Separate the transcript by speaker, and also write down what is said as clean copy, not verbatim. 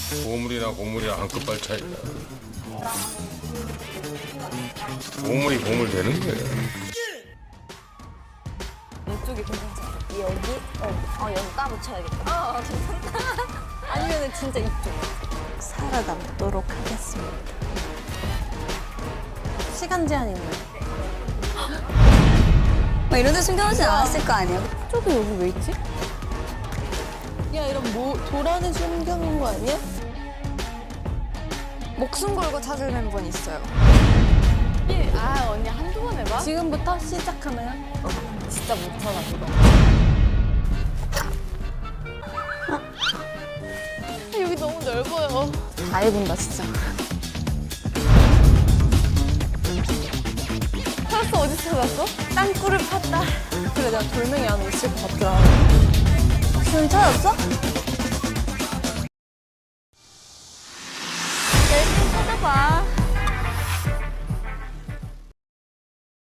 Speaker 1: 보물이나 고물이랑 한 끗발 차이다. 보물이 보물 되는 거예요.
Speaker 2: 이쪽이 괜찮지?
Speaker 3: 여기? 여기 까붙여야겠다.
Speaker 2: 괜찮다. 아니면은 진짜 이쪽.
Speaker 3: 살아남도록 하겠습니다. 시간 제한 있나요?
Speaker 2: 막 이런 데 숨겨놓진 않았을 거 아니야?
Speaker 3: 저도 여기 왜 있지? 야, 이런 도란에 숨겨놓은 거 아니야?
Speaker 2: 목숨 걸고 찾을 멤버는 있어요.
Speaker 4: 아 언니 한두 번 해봐?
Speaker 3: 지금부터 시작하나요?
Speaker 2: 진짜 못하나 보다.
Speaker 4: 여기 너무 넓어요.
Speaker 2: 다 해본다 진짜.
Speaker 4: 찾았어? 어디 찾았어?
Speaker 3: 땅굴을 팠다. 그래, 내가 돌멩이 안에 있을 것 같더라.
Speaker 2: 지금 찾았어?